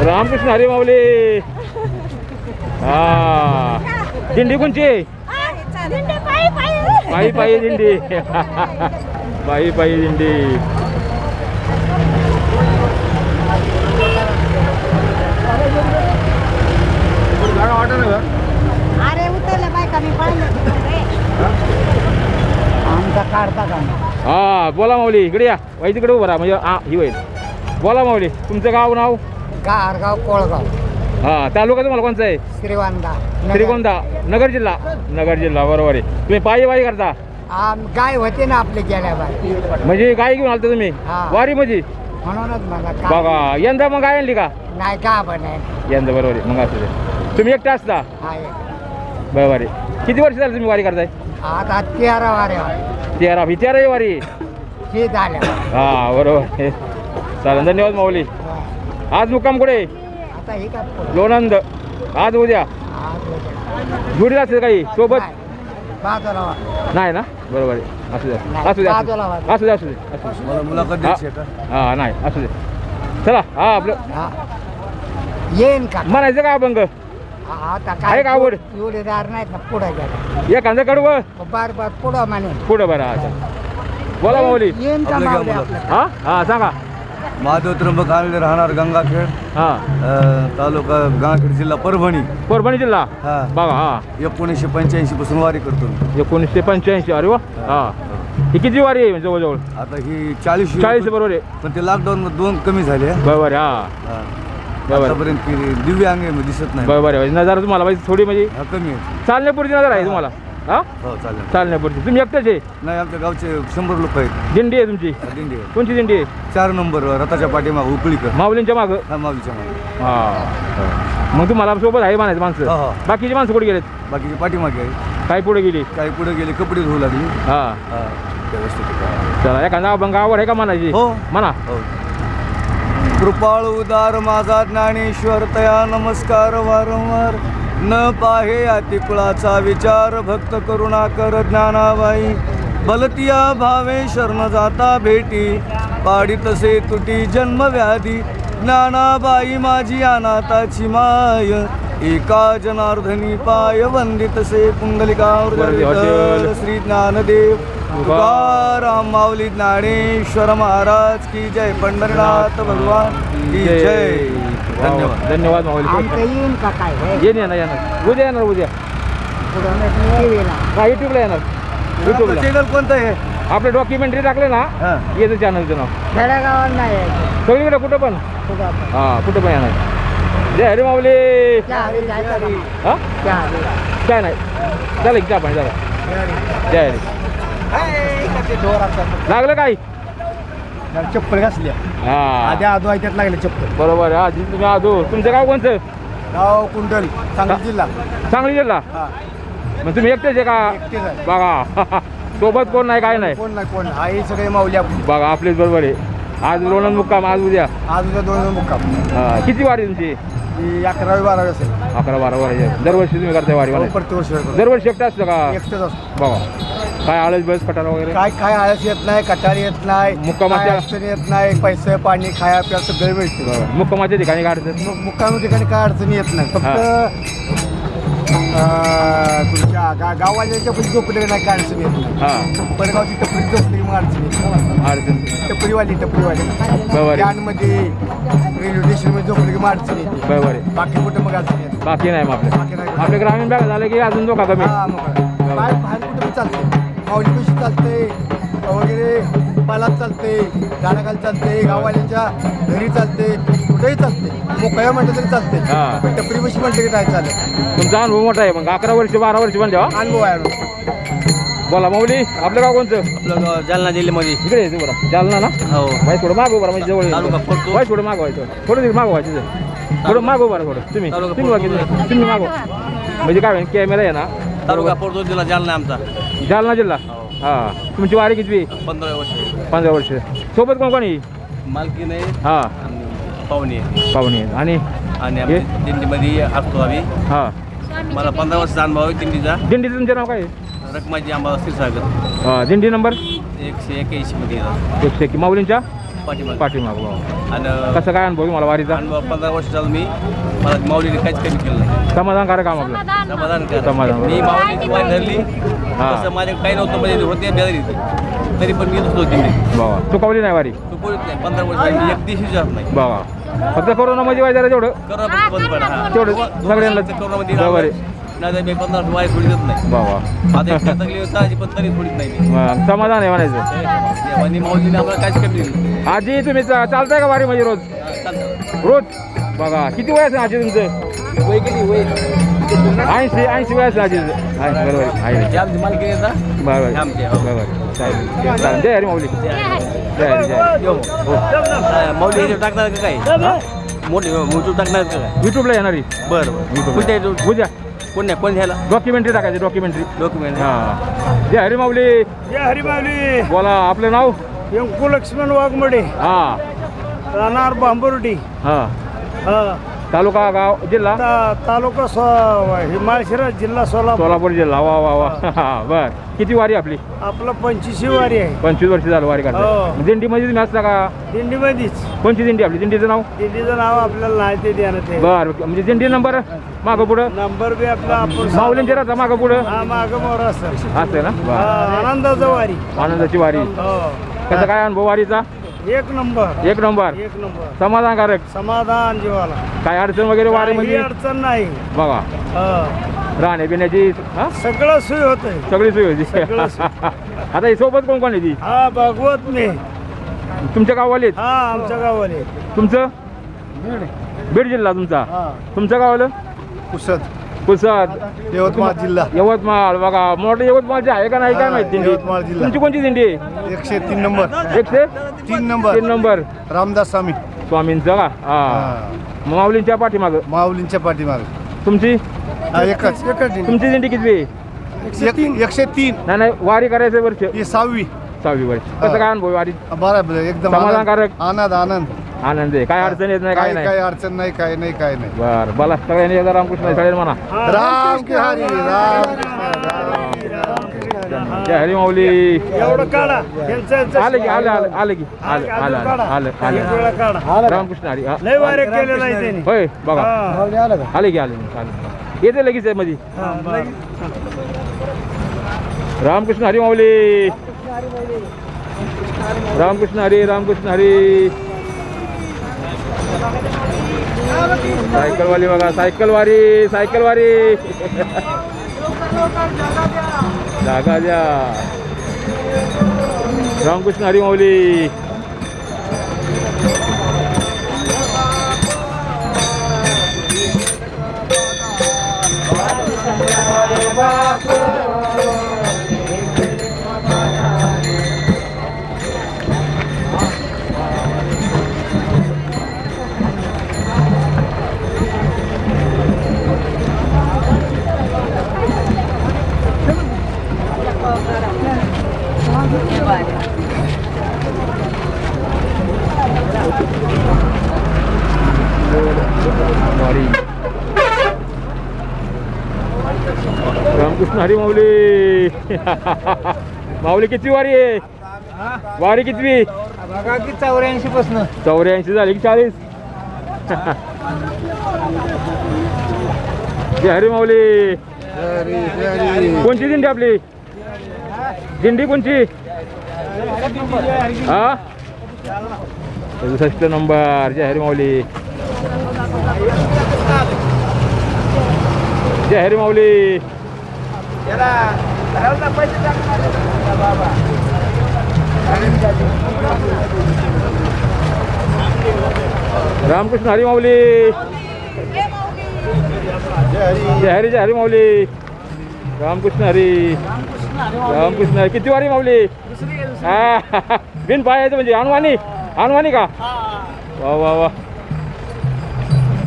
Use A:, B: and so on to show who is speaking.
A: रामकृष्ण हरी माऊली. हा दिंडी कोणची? पायी पायी दिंडी. पायी पायी दिंडी.
B: अरे उतरलं बाय कमी आमचा काढता का?
A: हा बोला माऊली, इकडे या. वाई तिकडे उभं राहा म्हणजे हा ही होईल. बोला माऊली, तुमचं गाव नाव?
B: गारगाव कोळगाव.
A: हा तालुका तुम्हाला कोणचा आहे?
B: श्रीगोंदा.
A: श्रीगोंदा नगर जिल्हा. नगर जिल्हा बरोबर आहे. तुम्ही पायी वारी करता?
B: गाय होते ना आपले गेल्या बाय.
A: म्हणजे गाय घेऊन आलता तुम्ही
B: हा.
A: वारी मध्ये?
B: म्हणूनच मला
A: बघा यंदा मग गाय आणली का?
B: नाही का पण आहे.
A: यंदा बरोबर आहे. मग असं ते. तुम्ही एकटे असता?
B: आहे.
A: बरोबर आहे. किती वर्ष झालं तुम्ही वारी करताय?
B: आता 13 वारे
A: 13 ही 13 वारी.
B: हे झालं.
A: हा बरोबर आहे. चालेल धन्यवाद माऊली. आज मुक्काम कुठे?
B: आता हे का
A: लोणंद. आज उद्या जोडीला असेल काही सोबत?
B: बाजूला
A: नाही ना बरोबर आहे. असू द्या असू द्या असू द्या असू द्या असू द्या.
C: मला मुलाखत द्यायची आहे का?
A: हा नाही असू दे. चला हा आपलं
B: येईन का
A: म्हणायचं का अभंग?
B: आता
A: आहे
B: काय
A: का आवड?
B: जोडीदार नाहीत ना पुढे गेला
A: एखादं कडवं
B: बार बार पुढं म्हणे
A: पुढं बरं. हा बोला माऊली.
B: येईन का
C: आपलं
B: माऊली
C: घ्या
B: आपलं?
A: हा हा सांगा.
C: महादेव त्र्यंबक आलेले राहणार गंगाखेड,
A: हा
C: तालुका गंगाखेड, जिल्हा परभणी.
A: परभणी जिल्हा.
C: हा
A: बघा हा
C: 1985 पासून वारी करतो मी.
A: 1985. अरे वा. हा ही किती वारी आहे जवळजवळ?
C: आता ही 40
A: बरोबर आहे.
C: पण ते लॉकडाऊन मध्ये 2 कमी झाले.
A: बरोबर आहे. हा बरोबर.
C: आतापर्यंत की दिव्य अंग आहे, दिसत नाही.
A: बरोबर आहे. नजर तुम्हाला पाहिजे थोडी म्हणजे
C: हा कमी आहे.
A: चालण्यापुरती नजर आहे तुम्हाला? हा
C: हो चालेल.
A: चालण्यापुरती. तुम्ही एकटेच आहे?
C: नाही आमच्या गावचे 100 लोक आहेत.
A: दिंडी आहे तुमची?
C: दिंडी आहे.
A: कोणची दिंडी आहे?
C: 4 नंबर रथाच्या पाठीमाग उकळीकर.
A: माऊलींच्या मागं?
C: हा माऊलीच्या मागे.
A: हा मग तुम्हाला सोबत आहे म्हणायचं माणसं?
C: हो, हो.
A: बाकीची माणसं कुठे गेलेत?
C: बाकीची पाठीमागे आहे.
A: काय पुढे गेली?
C: काही पुढे गेले, कपडे धुवू लागली.
A: हा
C: हा व्यवस्थित.
A: चला एखादा अभंग आवड आहे का म्हणायची?
C: हो.
A: म्हणा.
C: हो. कृपाळ उदार माझा ज्ञानेश्वर तया नमस्कार वारंवार. न पाहे अतिकुळाचा विचार भक्त करुणा कर ज्ञानाबाई. बलतिया भावे शरण जाता भेटी पाडी तसे तुटी जन्मव्याधी. ज्ञानाबाई माझी अनाथाची माय एका जनार्दनी पाय वंदितसे पुंडलिकावर श्री ज्ञानदेव तुकाराम माऊली ज्ञानेश्वर महाराज की जय. पंढरीनाथ भगवान की जय. धन्यवाद.
A: धन्यवाद माऊली.
B: आमचं येईन का काय
A: येणार येणार उद्या येणार उद्या.
B: पुढं टीव्हीला
A: हा युट्यूबला येणार. युट्यूबला
C: चॅनल कोणतं आहे?
A: आपले डॉक्युमेंटरी टाकले ना
C: हा.
A: येतं चॅनलचं नाव.
B: खेडेगावात नाही यायचं.
A: सगळीकडे कुठं पण.
B: कुठं आपण.
A: हा कुठं पण येणार. जय हरी माऊली.
B: त्या हरी जायचं का मग?
A: हा
B: त्या हरी.
A: काय नाही चला की चहा पाणी चला. जय हरी. लागलं काय?
C: चप्पल घासल्या.
A: हा
C: आधी आदो ऐकत लागले चप्पल.
A: बरोबर. हा तुम्ही आजो. तुमचं गाव कोणतं?
C: गाव कुंडल, सांगली जिल्हा.
A: सांगली जिल्हा.
C: हा
A: मग तुम्ही एकटेच आहे का?
C: एकटेच आहे.
A: बघा सोबत कोण नाही काय नाही.
C: कोण नाही कोण आई सगळे माऊली आपण.
A: बघा आपलेच बरोबर आहे. आज लोणंद मुक्काम आज उद्या.
C: आज उद्या 2 मुक्काम.
A: हा किती वारी तुमची?
C: ही 11-12 असेल.
A: 11-12 वारी. दरवर्षी तुम्ही करताय वारी म्हणायचं?
C: प्रतिवर्ष करतो.
A: दरवर्षी एकटं असतं का?
C: एकटेच असतो.
A: बघा काय आळस बस कटारा वगैरे?
C: काय काय आळस येत नाही, कटारी येत नाही,
A: मुक्कामाच्या-
C: काय अडचण येत नाही. पैसे पाणी खाया प्या सगळं मिळते.
A: बरोबर. मुक्कामाच्या ठिकाणी काढतात.
C: मुक्काम ठिकाणी काय अडचणी येत नाही. फक्त तुमच्या गाववाल्याच्या पण झोपले नाही, काय अडचण येत नाही.
A: हा
C: परगावची टपरी झोपली की मग अडचण येते.
A: अडचण.
C: टपरीवाली
A: बरोबर आहे.
C: कॅनमध्ये रेल्वे स्टेशनमध्ये झोपली की मग अडचण येते.
A: बरोबर आहे.
C: बाकी कुठं मग अडचण येते.
A: बाकी नाही मग
C: बाकी
A: आपले
C: नाही.
A: आपले ग्रामीण भाग झाले की अजून धोका कमी.
C: हा मग बाहेर बाहेर कुठं पण चालते. माऊली पैसे चालते वगैरे, पालात चालते, झाडाखाली चालते, गाववाल्यांच्या घरी चालते, कुठेही चालते. मोकळ्या म्हटलं तरी चालते.
A: हा.
C: पण टपरी पैसे म्हटलं की नाही चालत.
A: तुमचा अनुभव मोठा आहे. मग 11 वर्ष 12 वर्ष म्हणजे हा?
C: अनुभव आहे.
A: बोला माऊली आपलं गाव कोणतं?
D: आपलं गाव जालना जिल्ह्यामध्ये.
A: इकडे येते बरं जालना ना.
D: हो.
A: भाई थोडं मागो बरं म्हणजे जवळ
D: तालुका फडतो.
A: भाई थोडं मागवायचं. थोडं मागवायचं. थोडं मागो बरं थोडं. तुम्ही
D: तालुका
A: तुम्ही
D: फडतो.
A: तुम्ही मागो म्हणजे काय होईल कॅमेरा आहे ना.
D: तालुका पोर्तो जिल्हा जालना आमचा.
A: जालना जिल्हा. हा तुमची वारी किती?
D: 15 वर्ष.
A: 15 वर्ष. सोबत कोण कोणी?
D: मालकी नाही
A: हा
D: आणि पाहुणे
A: पाहुणे आणि
D: आणि आम्ही दिंडीमध्ये असतो आम्ही.
A: हा
D: मला 15 वर्षाचा अनुभव आहे दिंडीचा.
A: दिंडीचं तुमचं नाव काय आहे?
D: रकमाजी आंबा क्षीरसागर.
A: दिंडी नंबर
D: 181 मध्ये.
A: 101. माऊलींच्या
D: पाठीमागे
A: पाठीमाग बाबा.
D: आणि
A: कसं काय अनुभव मला वारीचा?
D: अनुभव 15 वर्ष झालं मी मला माऊलीने काहीच कमी केलं नाही.
A: समाधानकारक काम आपलं.
D: समाधान करा.
A: समाधान.
D: मी माऊलीची वारी धरली तसं माझ्या काही नव्हतं म्हणजे होते बेजारी तरी पण मी होतो तिथे
A: बाबा चुकवली नाही वारी
D: तू बोलत नाही 15 वर्ष मी एक दिवशी जात नाही.
A: बाबा फक्त कोरोनामध्ये वारी जरा तेवढं
D: करोना बंद पडा हा
A: तेवढं सगळ्यांना
D: करोनामध्ये
A: बरोबर आहे.
D: नाही मी 15 वारी सोडी देत नाही.
A: बाबा
D: आता एक तकलीफ होता पण तरी सोडित नाही मी.
A: समाधान आहे म्हणायचं.
D: आणि माऊलीने आम्हाला काहीच कमी दिली.
A: आजी तुम्ही चालताय का वारी म्हणजे रोज?
D: चालतं.
A: रोज बघा किती वय असेल आजी तुमचं?
D: वय किती वय
A: 80 वय असेल आजीचं. बरोबर आहे.
D: हे आमची मालकी आहे ना
A: बरोबर
D: आमचे हो.
A: बरोबर चालेल. जय हरी माऊली. जय हरी जय.
D: यो. माऊली याच्यावर टाकणार का काय मोठे मोठू टाकणार का काय
A: युट्यूबला येणारी
D: बरं बरं कुठे
A: उद्या
D: कोण नाही कोण घ्यायला
A: डॉक्युमेंटरी टाकायची डॉक्युमेंटरी.
D: डॉक्युमेंट
A: हां जय हरी माऊली.
E: जय हरिमावली.
A: बोला आपलं नाव?
E: व्यंकू लक्ष्मण वाघमडे,
A: हां
E: राहणार बांबुर्डी,
A: हां
E: हा.
A: तालुका गाव जिल्हा
E: तालुका हिमाळशिरस, जिल्हा सोलापूर.
A: सोलापूर जिल्हा. वा वा वा. बर किती वारी आपली?
E: आपलं 25वी वारी आहे.
A: 25 वर्ष झालं वारी
E: हो.
A: करता. दिंडीमध्ये तुम्ही असता का?
E: दिंडीमध्येच.
A: कोणची दिंडी आपली? दिंडीचं नाव?
E: दिंडीचं नाव आपल्याला नाही ते देण्यात आहे.
A: बर म्हणजे दिंडी नंबर मागं पुढं
E: नंबर बी आपला आपण
A: माऊलींचे राहता मागं पुढं
E: हा मागं मोर असं
A: असं ना. बर.
E: आनंदाचं वारी.
A: आनंदाची वारी.
E: हो.
A: कसा काय अनुभव वारीचा?
E: एक नंबर.
A: एक नंबर.
E: एक नंबर.
A: समाधानकारक.
E: समाधान जीवाला.
A: काय अडचण वगैरे वारी
E: काही
A: म्हणजे?
E: अडचण नाही.
A: बघा
E: हा.
A: राहण्यापिण्याची हा
E: सगळं सोय होतंय.
A: सगळी सोय होती.
E: सगळं सोय.
A: आता ही सोबत कोण कोण येते?
E: हा भागवत मी.
A: तुमच्या गाववाले आहेत?
E: हा आमच्या गावाले.
A: तुमचं बीड जिल्हा तुमचा?
E: हा.
A: तुमच्या गावाला
C: पुसद
A: पुसद
C: यवतमाळ जिल्हा.
A: यवतमाळ. बघा मोठं यवतमाळचे आहे का नाही काय माहिती दिंडी?
C: यवतमाळ जिल्हा.
A: तुमची कोणची दिंडी आहे?
C: 103 नंबर.
A: 103
C: 3
A: नंबर
C: रामदास स्वामी.
A: स्वामींचं का? हा माऊलींच्या पाठीमाग.
C: माऊलींच्या पाठीमागे
A: तुमची
C: एकच
A: तुमची दिंडी किती आहे?
C: 103.
A: नाही नाही वारी करायचं वर्ष
C: ही 6वी.
A: 6वी वर्ष. कसं काय अनुभव वारी?
C: बरोबर एकदम
A: समाधानकारक.
C: आनंद आनंद.
A: आनंद आहे. काय अडचण येत नाही काय नाही?
C: काही अडचण नाही काय नाही काय नाही.
A: बर बोला सगळ्यांनी एकदा रामकृष्ण चालेल म्हणा.
C: राम की हरी राम.
A: जय हरी माऊली.
E: एवढं काढा.
A: आले की आले आले आले की आले आले आले आले आले
E: काढा.
A: रामकृष्ण हरी. हा.
E: लय वारे केलेलं आहे त्यांनी.
A: होय बघा
E: हा.
A: आले की आले आले येते लगेच आहे मध्ये.
E: हा, बरं.
A: रामकृष्ण हरी माऊली. रामकृष्ण हरी रामकृष्ण हरी. सायकलवाली बघा सायकलवारी सायकलवारी. जागा द्या. रामकृष्ण हरी माऊली. वारी. रामकृष्ण हरी माऊली. माऊली किती वारी आहे? वारी कितवी?
E: बघा की 84 पासून
A: 84 झाली की 40? जय हरी माऊली. कोणची दिंडी आपली? दिंडी कोणची? हा 67 नंबर. जय हरी माऊली. जय हरी माऊली. रामकृष्ण हरी माऊली. जय हरी माऊली. रामकृष्ण हरी रामकृष्ण हरी. किती वारी माऊली? हा बिन पायाचं म्हणजे अनवाणी अनवाणी का? वा वा वा.